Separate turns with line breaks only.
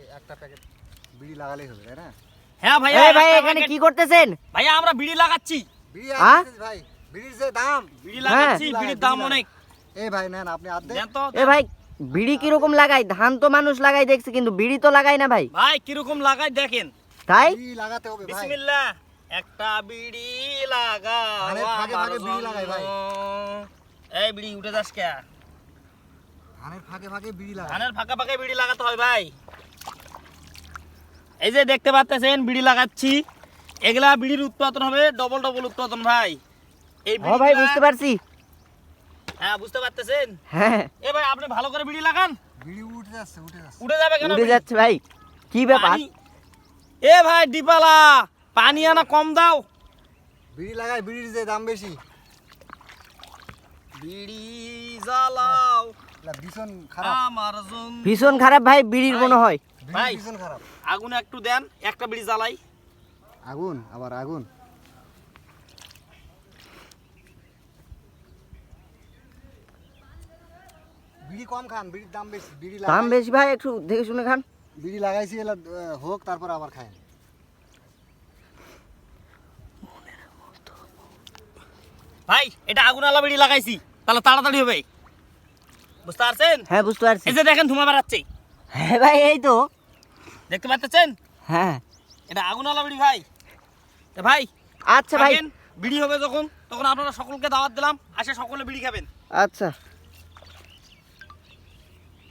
একটা প্যাকেট বিড়ি লাগালেই হবে তাই না?
হ্যাঁ ভাই,
এই ভাই এখানে কি করতেছেন?
ভাইয়া আমরা বিড়ি লাগাচ্ছি।
বিড়ি
হ্যাঁ?
আসছে ভাই, বিড়ির যে দাম।
বিড়ি লাগাচ্ছি,
হ্যাঁ।
বিড়ির দাম অনেক।
এই ভাই নেন আপনি আদ দেন।
দেন তো।
এ ভাই বিড়ি কিরকম লাগাই? ধান তো মানুষ লাগাই দেখছি, কিন্তু বিড়ি তো লাগাই না ভাই।
ভাই কিরকম লাগাই দেখেন।
তাই
বিড়ি লাগাতে হবে ভাই।
বিসমিল্লাহ। একটা বিড়ি লাগাও
ধানের ফাঁকে
আমার
ফাঁকে বিড়ি লাগাই ভাই।
জন্য। এই বিড়ি উঠে যাস কে?
ধানের ফাঁকে ফাঁকে বিড়ি লাগাই।
ধানের ফাঁকে ফাঁকে বিড়ি লাগাতে হয় ভাই। এই যে দেখতে পাচ্ছেন বিড়ি লাগাচ্ছি, এগুলা বিড়ির উৎপাদন হবে ডবল ডবল উৎপাদন ভাই। এই
ও ভাই
বিড়িগুলা-
বুঝতে পারছি।
হ্যাঁ বুঝতে পারতেছেন।
হ্যাঁ
এ ভাই আপনি ভালো করে বিড়ি লাগান।
বিড়ি উঠে যাচ্ছে, উঠে যাচ্ছে।
উঠে যাবে কেন?
উড়ে
বিড়ি?
যাচ্ছে ভাই, কি ব্যাপার?
পানি- এ ভাই ডিপালা পানি আনা কম দাও।
বিড়ি লাগাই, বিড়ির যে দাম বেশি।
বিড়ি জ্বালাও
এলা ভীষণ খারাপ।
আমার জন্য।
ভীষণ খারাপ ভাই বিড়ির
ভাই।
মনে হয়।
বিড়ি
ভাই।
ভীষণ খারাপ।
আগুন একটু দেন, একটা বিড়ি জ্বালাই।
আগুন, আবার আগুন। বিড়ি কম খান, বিড়ির দাম বেশি। বিড়ি
দাম
লাগাই,
বেশি ভাই, একটু দেখে শুনে খান।
বিড়ি লাগাইছি এলা হোক, তারপর আবার খায়।
ভাই এটা আগুন আলা বিড়ি লাগাইছি, তাহলে তাড়াতাড়ি হবে। বুঝতে পারছেন?
হ্যাঁ বুঝতে পারছি।
এই যে দেখেন ধোঁয়া বেরাচ্ছে,
হ্যাঁ ভাই এই তো।
দেখতে পাচ্ছেন?
হ্যাঁ
এটা আগুন আলা বিড়ি ভাই। তা ভাই
আচ্ছা ভাই,
থাকেন, বিড়ি হবে যখন তখন আপনারা সকলকে দাওয়াত দিলাম, আসে সকলে বিড়ি খাবেন।
আচ্ছা।